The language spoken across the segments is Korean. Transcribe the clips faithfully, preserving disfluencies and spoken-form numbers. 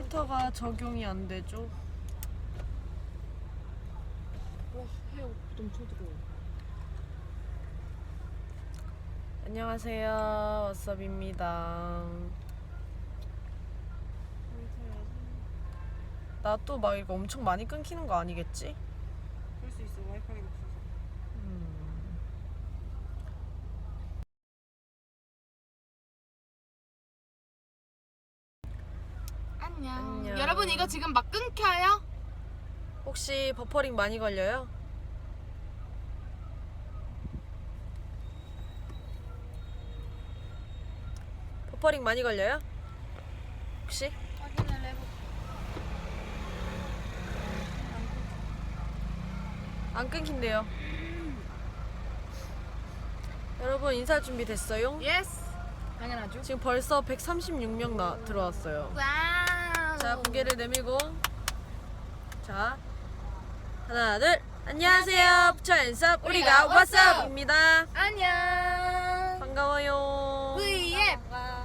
필터가 적용이 안 되죠? 와, 헤어 엄청 뜨거워. 안녕하세요, 왓썹입니다. 나 또 막 이거 엄청 많이 끊기는 거 아니겠지? 그럴 수 있어. 와이파이가 없어서. 음. 안녕. 안녕. 여러분 이거 지금 막 끊겨요? 혹시 버퍼링 많이 걸려요? 버퍼링 많이 걸려요? 혹시? 확인을 해볼게. 안 끊긴대요. 여러분 인사 준비 됐어요? 예스. 당연하죠. 지금 벌써 백삼십육 명 나 들어왔어요. 와우. 자, 고개를 내밀고. 자, 하나, 둘. 안녕하세요. 부처앤섭 우리가 우리가 왓썹입니다. 안녕. 반가워요. 브이앱.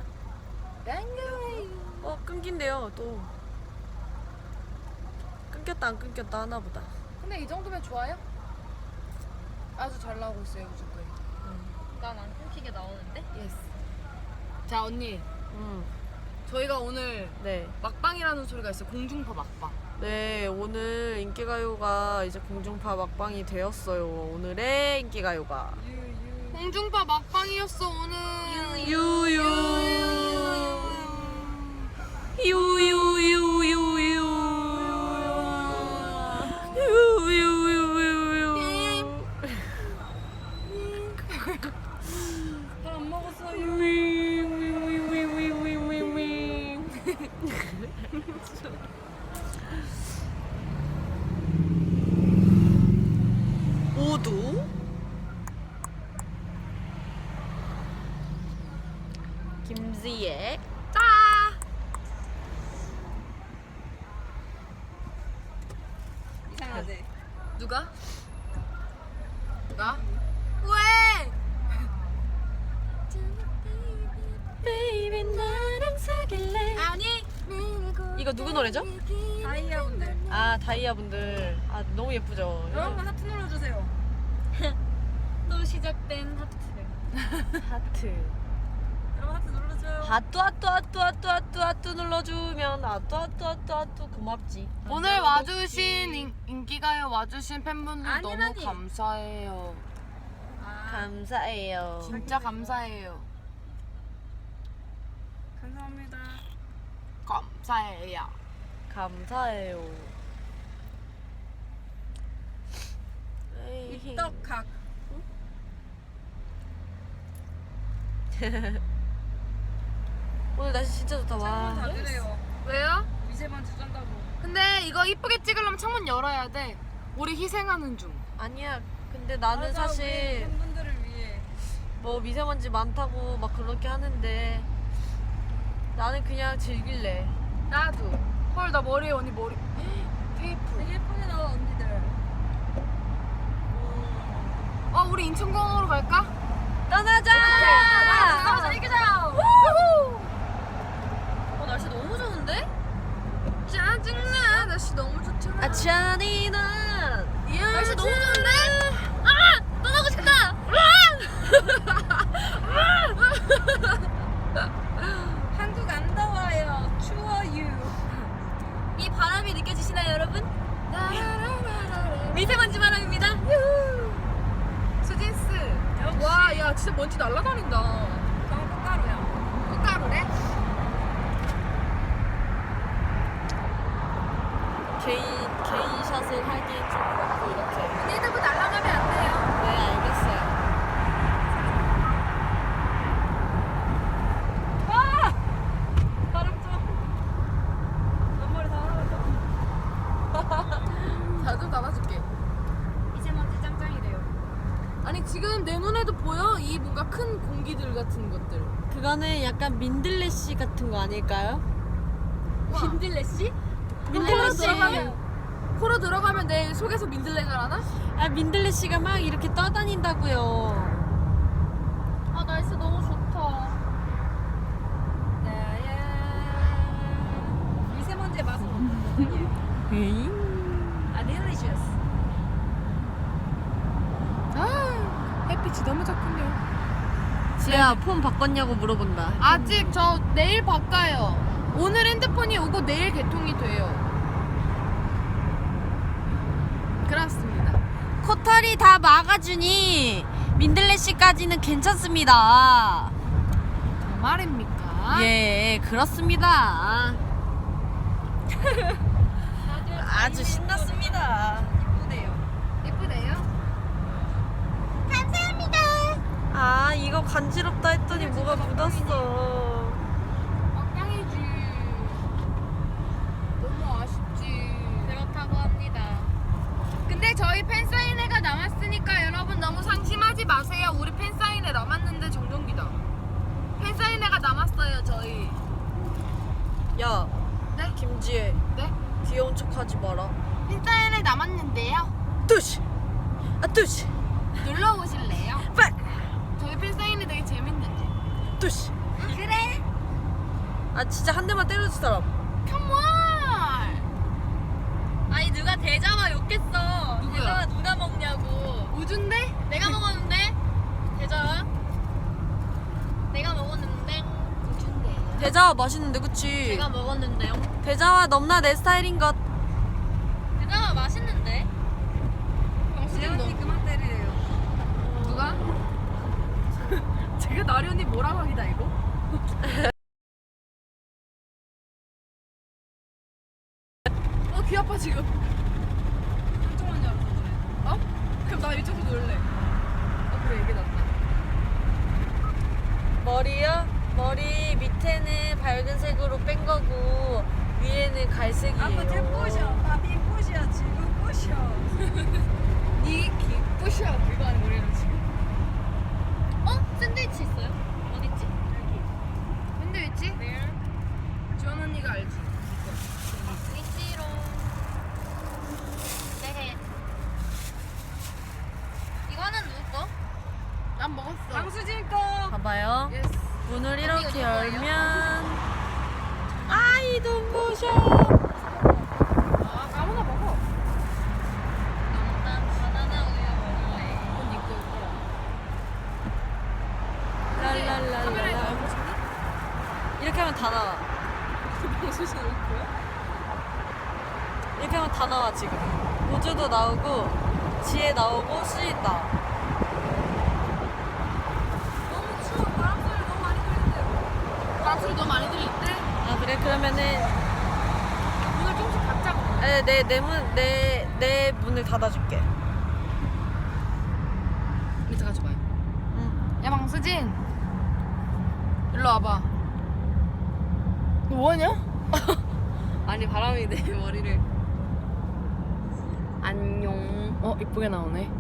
반가워요. 어, 끊긴대요. 또 끊겼다 안 끊겼다 하나보다. 근데 이 정도면 좋아요? 아주 잘 나오고 있어요, 무조건. 난 안 끊기게 나오는데? 예스. 자, 언니. 음, 저희가 오늘 네, 막방이라는 소리가 있어요. 공중파 막방. 네. 오늘 인기가요가 이제 공중파 막방이 되었어요. 오늘의 인기가요가 공중파 막방이었어, 오늘. 유유 유유유유유 유유유유유 안 먹었어요. 모두 김지혜 짜 이상하지? 누가? 나? 왜? 베이비 나랑 사귈래 아니. 이거 누구 노래죠? 다이아분들. 아 다이아 분들 아 너무 예쁘죠. 여러분 하트 눌러주세요. 또 시작된 하트. 하트 여러분 하트 눌러줘요. 하뚜 하뚜 하뚜 하뚜 하뚜 하뚜 눌러주면 하뚜 하뚜 하뚜 하뚜 고맙지. 오늘 와주신 인, 인기가요 와주신 팬분들 아니, 너무 아니. 감사해요. 감사해요. 진짜 감사해요. 감사합니다. 감사해요. 감사해요. 에이. 떡각. 오늘 날씨 진짜 좋다. 와. 그래요. 왜요? 미세먼지 쩐다고. 근데 이거 이쁘게 찍으려면 창문 열어야 돼. 우리 희생하는 중. 아니야. 근데 나는 맞아, 우리 사실 팬분들을 위해. 뭐 미세먼지 많다고 막 그렇게 하는데 나는 그냥 즐길래. 나도. 헐, 나 머리에 언니 머리. 테이프. 되게 예쁘게 나와 언니들. 어, 우리 인천공항으로 갈까? 떠나자! 나가자, 이기자. 어 날씨 너무 좋은데? 짜증나. 날씨 너무 좋잖아. 아 잔인한 날씨 너무 좋은데? 아 떠나고 싶다. 한국 안 더워요. 추워요. 이 바람이 느껴지시나요, 여러분? 미세먼지 바람입니다. 수진스. 와, 야, 진짜 먼지 날아다닌다. 저는 꽃가루야. 꽃가루래? 개인 개인 샷을 하기에 좀 그렇고 이렇게. 언니들도 날아가면 안 돼요. 네 알겠어요. 바람 좀. 앞머리 다 날아갔다. 자, 좀 닫아줄게. 미세먼지 짱짱이래요. 아니, 지금 내 눈에도 보여? 이 뭔가 큰 공기들 같은 것들. 그거는 약간 민들레씨 같은 거 아닐까요? 민들레씨? 민들레씨. 들어가면, 코로 들어가면 내 속에서 민들레가 나나? 아 민들레씨가 막 이렇게 떠다닌다고요. 아 날씨 너무 좋다. 미세먼지 아, delicious. 아, 햇빛이 너무 좋군요. 지혜야 폰 바꿨냐고 물어본다. 아직 저 내일 바꿔요. 오늘 핸드폰이 오고 내일 개통이 돼요. 그렇습니다. 코털이 다 막아주니 민들레씨까지는 괜찮습니다. 정말입니까? 예, 그렇습니다. 아주 신났습니다. 이쁘네요. 예쁘네요. 아, 이거 간지럽다 했더니 뭐가 묻었어. 막방이지. 너무 아쉽지. 그렇다고 합니다. 근데 저희 팬사인회가 남았으니까 여러분 너무 상심하지 마세요. 우리 팬사인회 남았는데 정전기다. 팬사인회가 남았어요 저희. 야, 네? 김지혜, 네? 귀여운 척하지 마라. 팬사인회 남았는데요. 뚜시, 아 뚜시, 놀러 오실래요? 빨, 저희 팬사인회 되게 재밌는데. 뚜시. 그래? 아 진짜 한 대만 때려줄 사람. 컴온. 아니 누가 대자와 욕했어. 누구야? 대자와 누가 먹냐고. 우준데? 내가 먹었는데. 대자와. 내가 먹었는데. 우준데. 대자와 맛있는데 그치? 제가 먹었는데요. 대자와 넘나 내 스타일인 것. 대자와 맛있는데. 재현이 그만 때리래요. 누가? 제가 나리 언니 뭐라고 하기다 이거? 어, 귀 아파 지금. 한쪽만 열어서 그래. 어? 그럼 나 이쪽으로 놀래. 어, 그래 이게 낫다. 머리요? 머리 밑에는 밝은 색으로 뺀 거고 위에는 갈색이에요. 나 빈뿌셔 지금 뿌셔. 니 기쁘셔 이거 아니 머리는 지금. 어? 샌드위치 있어요? 어딨지? 여기. 샌드위치? 네. 지원 언니가 알지. 위치로. 네. 이거는 누구 거? 난 먹었어. 강수진 거. 봐봐요. 예스. 문을 언니 이렇게 이거 뭐예요? 열면 아이 눈부셔. 아, 아무나 먹어. 난 바나나 우유 먹을래. 그건 니꺼 거야. 카메라에 랄랄랄랄라. 나오고 싶니? 이렇게 하면 다 나와. 방수진 올 거야? 이렇게 하면 다 나와 지금. 우주도 나오고 지혜 나오고 수지 나와. 너무 추워. 바람 소리 너무 많이 들리는데. 바람 소리 너무 많이 들리는데? 아 그래 그러면은 문을 조금씩 닫자고. 내내문내 내 문을 닫아줄게. 밑에 가져봐요. 응. 야 방수진 일로 와봐. 너 뭐하냐? 아니 바람이 내 머리를. 안녕. 어 이쁘게 나오네.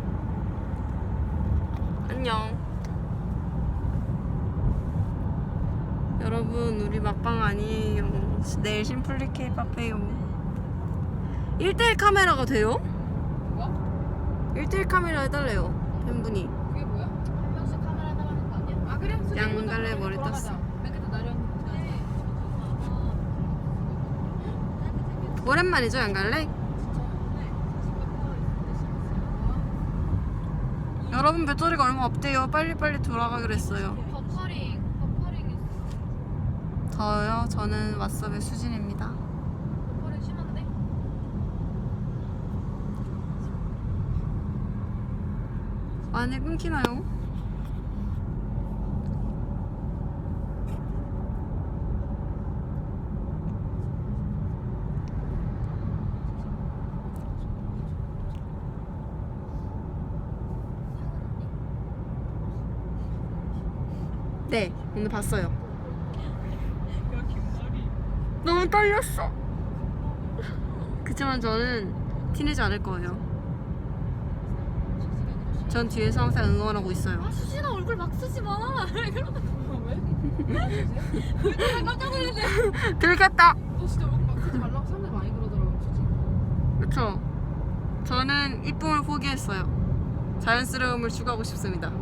안녕. 여러분 우리 막방 아니에요. 내일 심플리 케이팝 해요. 일 대일 카메라가 돼요? 뭐? 일 대일 카메라 해달래요 팬분이. 그게 뭐야? 한 명씩 카메라 달라는 거 아니야? 아 그래? 수진 양갈래 먼저 머리 돌아가자. 땄어. 맨 끝에 나리 언니 오랜만이죠 양갈래? 여러분 배터리가 얼마 없대요. 빨리빨리 돌아가기로 했어요. 버퍼링. 버퍼링 있어. 저요? 저는 왓썹의 수진입니다. 버퍼링 심한데? 많이 끊기나요? 네, 오늘 봤어요. 너무 떨렸어. 그치만 저는 티내지 않을 거예요. 전 뒤에서 항상 응원하고 있어요. 아 수진아 얼굴 막 쓰지 마. 깜짝 놀랐네. 들켰다. 너 진짜 얼굴 막 쓰지 말라고 사람들 많이 그러더라고 수진. 그쵸? 저는 이쁨을 포기했어요. 자연스러움을 추구하고 싶습니다.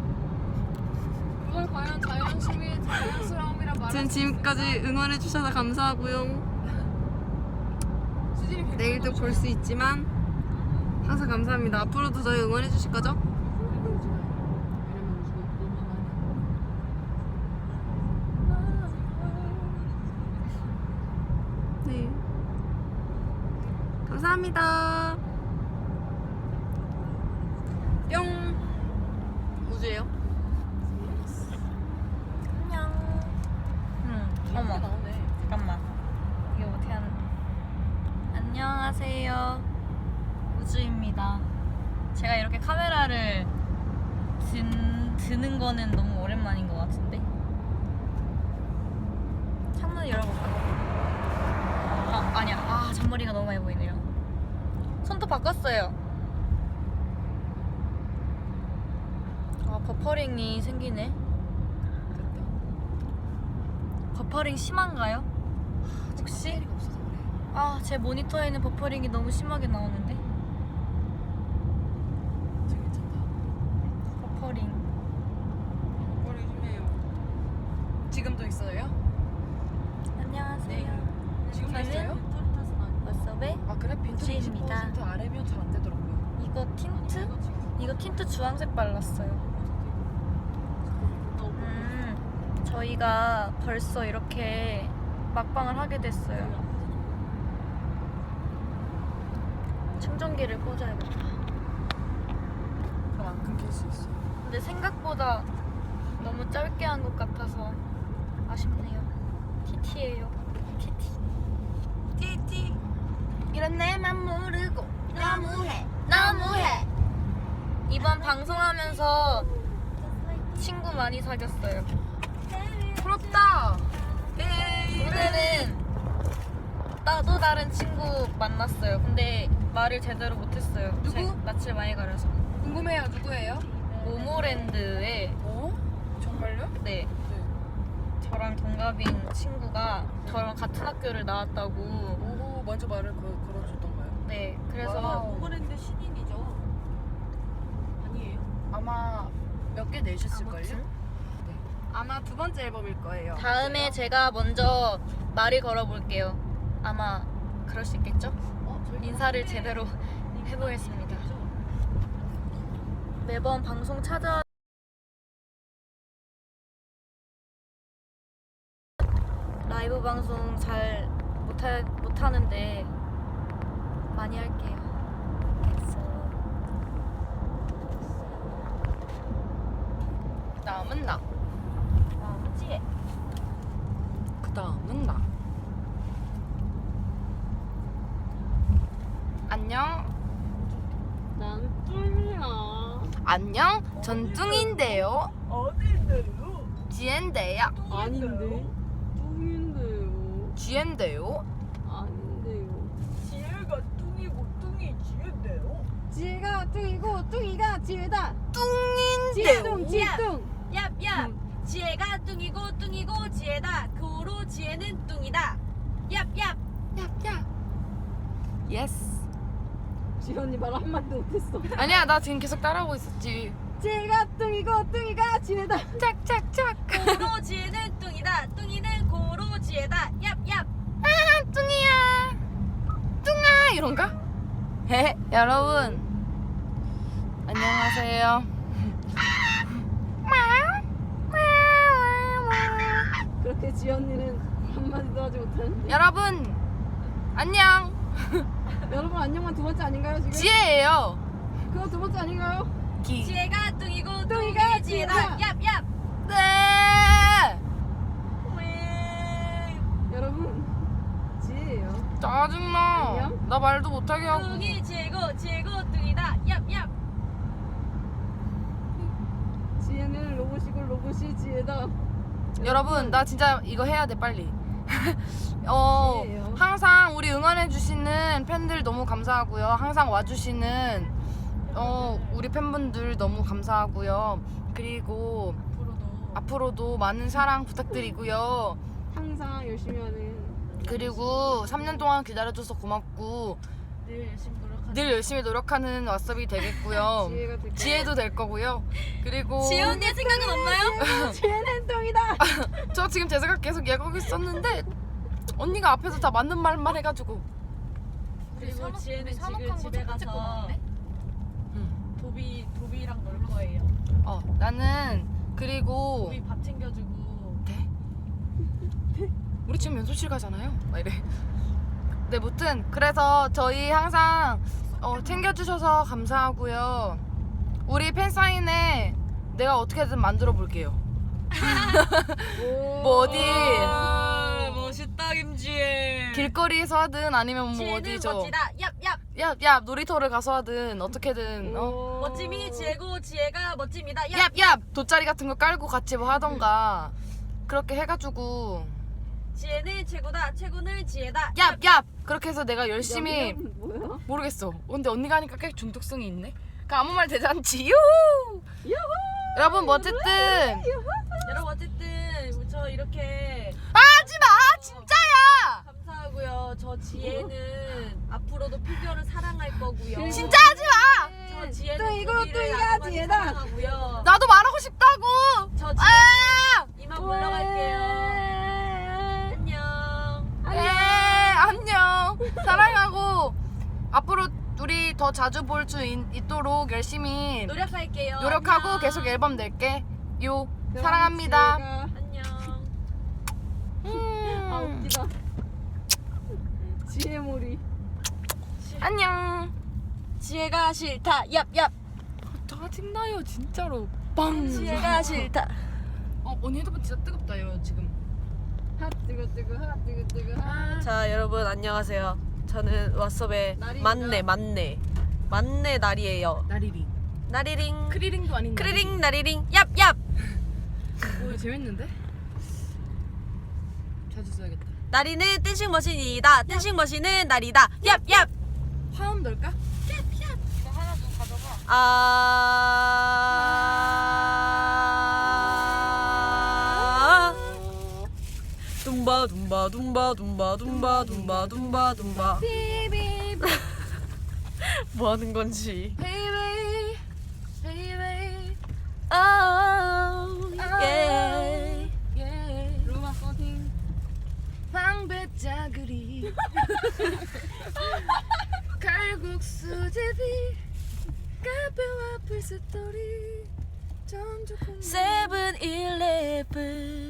그걸 과연 자연심이 자연스러움이라 말할 전 수 지금까지 있을까? 응원해주셔서 감사하고요. 수진 내일도 볼 수 있지만 항상 감사합니다. 앞으로도 저희 응원해 주실 거죠? 네. 감사합니다. 뿅. 우주예요? 안녕. 응. 어머. 잠깐만. 이게 어떻게 하는? 안녕하세요. 우주입니다. 제가 이렇게 카메라를 든, 드는 거는 너무 오랜만인 것 같은데. 창문 열어볼까? 아 아니야. 아 잔머리가 너무 많이 보이네요. 손톱 바꿨어요. 아 버퍼링이 생기네. 버퍼링 심한가요? 혹시? 아 제 모니터에는 버퍼링이 너무 심하게 나오는데. 버퍼링. 머리 좀 해요. 지금도 있어요? 안녕하세요. 지금도 저는 있어요? 워썹의 아 그래? 빈트 이십 우주입니다. 퍼센트 아래면 잘 안 되더라고요. 이거 틴트? 이거 틴트 주황색 발랐어요. 음, 저희가 벌써 이렇게 막방을 하게 됐어요. 충전기를 꽂아야겠다. 그럼 안 끊길 수 있어. 근데 생각보다 너무 짧게 한 것 같아서 아쉽네요. 티티예요. 티티. 티티. 이런 내맘 모르고 너무해 너무해. 이번 방송하면서 친구 많이 사귀었어요. 부럽다. 오늘은 나도 다른 친구 만났어요. 근데 말을 제대로 못했어요. 누구? 제 낯을 많이 가려서. 궁금해요. 누구예요? 모모랜드에 어? 정말요? 네 저랑 동갑인 친구가 저랑 같은 학교를 나왔다고. 오 먼저 말을 거, 걸어줬던가요? 네 그래서 와우. 오버랜드 신인이죠? 아니에요? 아마 몇 개 내셨을걸요? 아마 두 번째 앨범일 거예요. 다음에 제가 먼저 말을 걸어볼게요. 아마 그럴 수 있겠죠? 어, 저희 인사를 제대로 해보겠습니다. 매번 방송 찾아 라이브 방송 잘 못하, 못하는데 많이 할게요. 다음은 나. 다음지 그 다음은 나. 안녕. 난 뚱이야. 안녕. 전 뚱인데요. 어딘데요? 지엔데요. 아닌데. 뚱인데요. 지엔데요. 아닌데요. 지혜가 뚱이고 뚱이 지혜인데요. 지혜가 뚱이고 뚱이가 지혜다. 뚱인데요. 뚱, 지뚱. 얍얍 지혜가 뚱이고 뚱이고 지혜다. 그 후로 지혜는 뚱이다. 얍얍 야. 예스. 지혜 언니 말 한마디도 못했어. 아니야, 나 지금 계속 따라하고 있었지. 지혜가 뚱이고 뚱이가 지혜다. 짝짝짝. 그 후로 지혜는 뚱이다. 뚱이는 그 후로 지혜다. 얍얍 아, 뚱이야. 뚱아 이런가? 헤, 여러분. 안녕하세요. 그렇게 지혜 언니는 한마디도 하지 못하는데. 여러분 안녕. 여러분 안녕만 두 번째 아닌가요 지금? 지혜예요. 그거 두 번째 아닌가요? 기. 지혜가 뚱이고 뚱이가 뚱이 지혜다. 지혜다. 얍얍 네. 여러분 지혜예요. 짜증나. 안녕? 나 말도 못하게 하고. 뚱이 지혜고 지혜고 뚱이다. 얍얍 지혜는 로봇이고 로봇이 지혜다. 여러분 나 진짜 이거 해야 돼 빨리. 어 지혜예요. 항상 우리 응원해 주시는 팬들 너무 감사하고요. 항상 와주시는 어 우리 팬분들 너무 감사하고요. 그리고 앞으로도 많은 사랑 부탁드리고요. 항상 열심히 하는 그리고 삼 년 동안 기다려줘서 고맙고 늘 열심히 노력하는 늘 열심히 노력하는 왓썹이 되겠고요. 지혜가 될 지혜도 될 거고요. 그리고 지혜 언니의 생각은 없나요? 지혜는 뚱이다. 저 지금 제 생각 계속 얘기하고 있었는데 언니가 앞에서 다 맞는 말만 해가지고 그리고 산옥- 지혜는 우리 산옥한 지금 거 집에 첫 번째 거 가서 나왔네? 도비 도비랑 놀 거예요. 어 나는 그리고 도비 밥 챙겨주고. 네? 우리 지금 연습실 가잖아요. 막 이래. 네, 무튼 그래서 저희 항상 어, 챙겨주셔서 감사하고요. 우리 팬 사인회 내가 어떻게든 만들어 볼게요. 뭐 어디 멋있다 김지혜. 길거리에서 하든 아니면 뭐 지혜는 어디 저 멋지다. 얍얍. 야, 야 놀이터를 가서 하든 어떻게든 어? 멋짐이 지혜고 지혜가 멋집니다. 얍. 야, 야 돗자리 같은 거 깔고 같이 뭐 하던가 그렇게 해가지고 지혜는 최고다. 최고는 지혜다. 야, 야 그렇게 해서 내가 열심히 모르겠어. 근데 언니가 하니까 꽤 중독성이 있네. 그 아무 말 대잔치. 유후! 여러분 뭐 어쨌든 여러분 어쨌든 저 이렇게 하지 마 진짜야. 감사하고요. 저 지혜는 앞으로도 피규어를 사랑할 거고요. 진짜 하지 마. 저 지혜는 또 이거 도비를 또 아주 이거 많이 지혜다. 사랑하고요. 나도 말하고 싶다고. 저 지혜 아! 이만 물러갈게요. 안녕. 네, 안녕. 사랑하고 앞으로 우리 더 자주 볼 수 있도록 열심히 노력할게요. 노력하고 안녕. 계속 앨범 낼게. 요 사랑합니다. 안녕. 음. 아 웃기다. 지혜몰이. 안녕. 지혜가 싫다. 얍얍. 짜증나요 진짜로. 빵. 지혜가 싫다. 어 언니 핸드폰 진짜 뜨겁다요 지금. 핫 뜨거 뜨거 핫 뜨거 뜨거 핫. 자 여러분 안녕하세요. 저는 왓썹의 날입니다. 만내 만내 만내 날이에요. 나리링. 나리링 크리링도 아닌. 크리링 나리링 얍얍. 오 재밌는데? 자주 써야겠다. 나리는 댄싱 머신이다. 댄싱 머신은 나리다. 얍얍. 화음 넣을까? 이거 하나 좀 가져가. 아. 둠바 둠바 둠바 둠바 둠바 둠바 둠바 둠바. 뭐 하는 건지. Baby, baby, Oh, yeah. yeah. 루마 서팅. 방배짜그리 칼국수제비 카페와 풀스토리 전주콩 세븐일레븐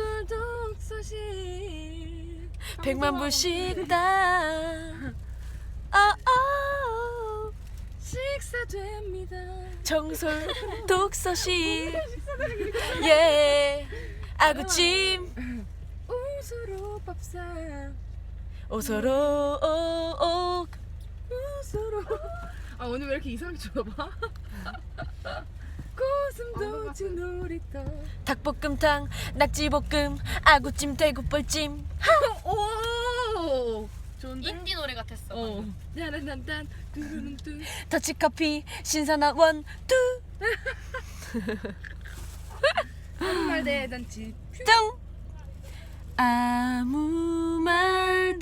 정술독서실 백만 불씩당. 어, 어. 식사됩니다. 정솔 독서실. 예. 아구찜. 웃으로 밥상 오소로 오. 웃으로 아 오늘 왜 이렇게 이상하게 줘봐? 고슴도치 놀이터 닭볶음탕, 낙지볶음, 아구찜, 대구뻘찜. 오 좋은데? 인디 노래 같았어. 어. 딴딴딴 뚜루룽뚜 더치커피, 신선한 원, 투. 아무 말 대잔치 뚱. 아무 말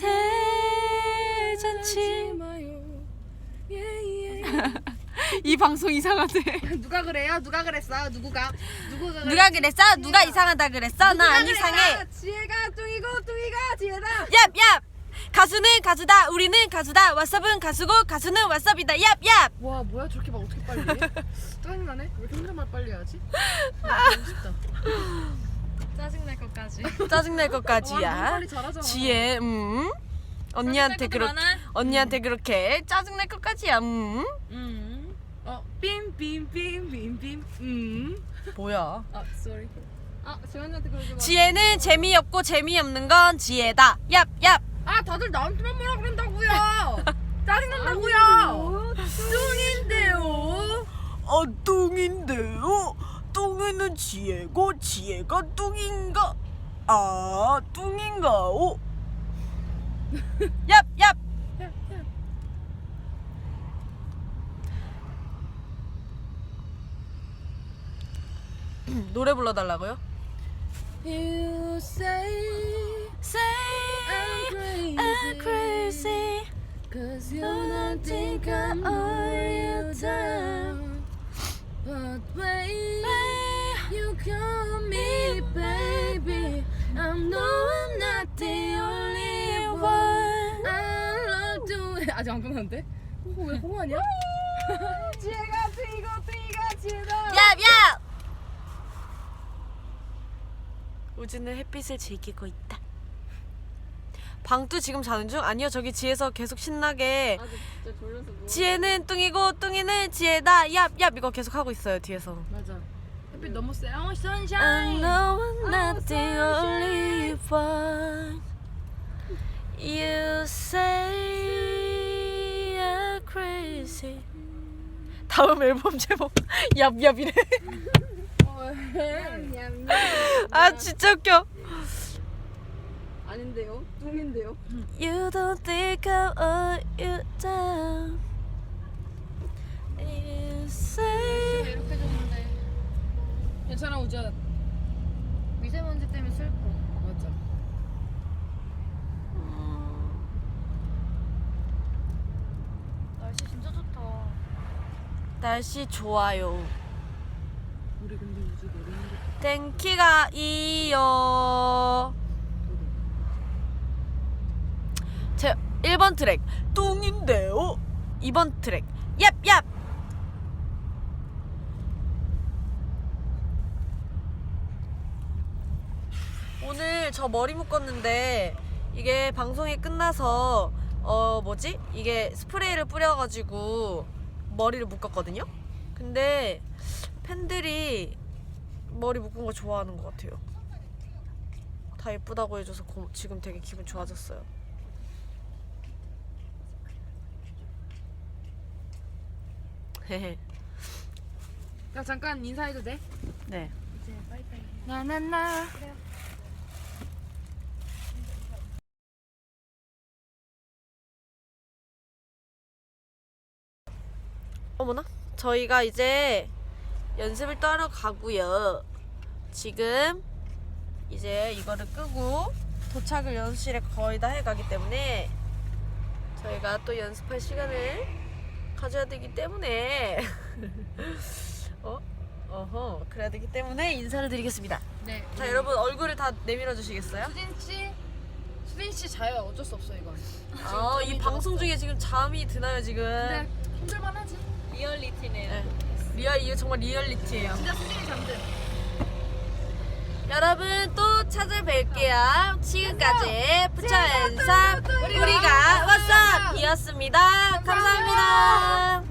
대잔치. 마요 예예 이 방송 이상하대. 누가 그래요? 누가 그랬어? 누구가? 누구가 그래? 누가 그랬어? 누가 이상하다 그랬어? 나 안 이상해. 지혜가 뚱이고 뚱이가 지혜다. 얍얍. 가수는 가수다. 우리는 가수다. 왓썹은 가수고 가수는 왓썹이다. 얍얍. 와 뭐야 저렇게 막 어떻게 빨리 해? 짜증나네? 왜 이렇게 혼자 말 빨리 하지? 아, 너무 쉽다. 짜증날 것까지. 짜증날 와, 너무 것까지야. 빨리 잘하잖아. 지혜, 음. 언니한테 짜증날 것도 그렇게 많아. 언니한테 그렇게 짜증날 것까지야. 음. 음. 어, 빔빔빔빔빔빔. 음. 뭐야? 아, sorry. 아 지원이한테 그러지 마. 지혜는 재미없고 재미없는 건 지혜다. 얍얍. 아, 다들 나한테만 뭐라 그런다고요. 짜증난다고요. 뚱인데요. 아, 뚱인데요. 뚱이는 지혜고 지혜가 뚱인가? 아, 뚱인가오? 얍얍. 노래 불러달라고요? You say Say I'm crazy, I'm crazy. cause you don't think I'm all you down. But wait, you call me baby. I know I'm not the only one. I love the way 아직 안 끝났는데? 어, 왜 홍하냐? 지혜가 뚱이고 뚱이가 지혜다. 얍얍! 우주는 햇빛을 즐기고 있다. 방뚜 지금 자는 중? 아니요, 저기 지에서 계속 신나게 아, 진짜 졸려서 누워. 지혜는 뚱이고 뚱이는 지혜다 얍얍 이거 계속 하고 있어요 뒤에서. 맞아. 햇빛 너무 세. 어, I sunshine. know I'm not the only one. You say I'm crazy. 다음 앨범 제목 얍얍이래. 냠냠. 아 진짜 웃겨. 아닌데요? 뚱인데요? You don't think I'll let you down. You say 이렇게 줬는데. 괜찮아 우주야. 미세먼지 때문에 슬퍼. 맞아. 날씨 진짜 좋다. 날씨 좋아요. 우리 근데 우주 내리는 게 땡키가 이요. 제 일 번 트랙 뚱인데요. 이 번 트랙 얍얍. 오늘 저 머리 묶었는데 이게 방송이 끝나서 어 뭐지? 이게 스프레이를 뿌려가지고 머리를 묶었거든요. 근데 팬들이 머리 묶은 거 좋아하는 것 같아요. 다 예쁘다고 해줘서 고, 지금 되게 기분 좋아졌어요. 헤헤. 야 잠깐 인사해도 돼? 네. 나나나. 어머나? 저희가 이제 연습을 따러 가고요. 지금 이제 이거를 끄고 도착을 연습실에 거의 다 해가기 때문에 저희가 또 연습할 시간을 가져야 되기 때문에 어? 어허 그래야 되기 때문에 인사를 드리겠습니다. 네. 자 여러분 얼굴을 다 내밀어 주시겠어요? 수진 씨. 수진 씨 자요. 어쩔 수 없어 이건. 아, 이 방송 중에 지금 잠이 드나요 지금? 근데 힘들만 하지. 리얼리티네요. 네. 리얼 이거 정말 리얼리티예요. 진짜 수진이 잠들. 여러분 또 찾아뵐게요. 지금까지 부처연삼 우리가 왓썹이었습니다. 감사합니다.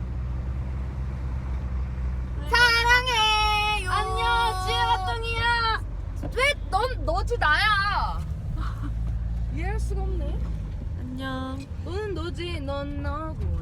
사랑해요. 안녕, 지혜가 뚱이야. 왜넌 너지 나야? 이해할 수가 없네. 안녕. 너는 너지 넌 너고